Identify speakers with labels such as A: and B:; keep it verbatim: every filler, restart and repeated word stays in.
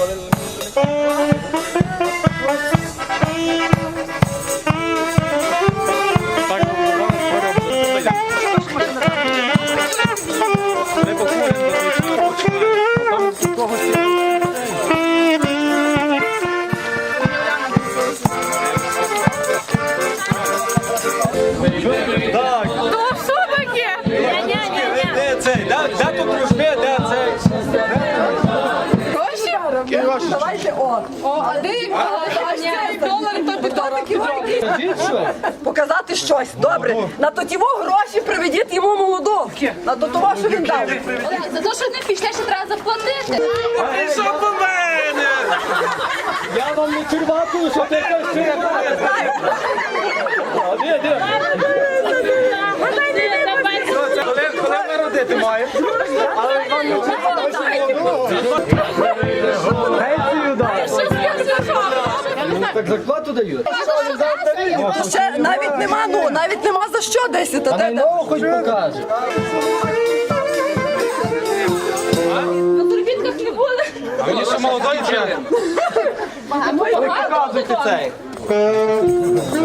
A: Давайте он. Один, долар, то показати щось. Добре. На тотіво гроші приведіть йому молоду. На тотово, що він дав.
B: За те, що не пішли, ще треба заплатити.
C: Що по мене?
D: Я вам не черваку, що ти кажеш. Де, де?
C: Коли ми родити маємо? Але вам не
D: Пенсію дай. Так зарплату дають.
A: Ще навіть нема, ну, навіть нема за що десь.
D: А найнову хоч покаже.
B: На турбінках не буде.
C: А мені ще молодої треба.
D: Ви показуйте цей.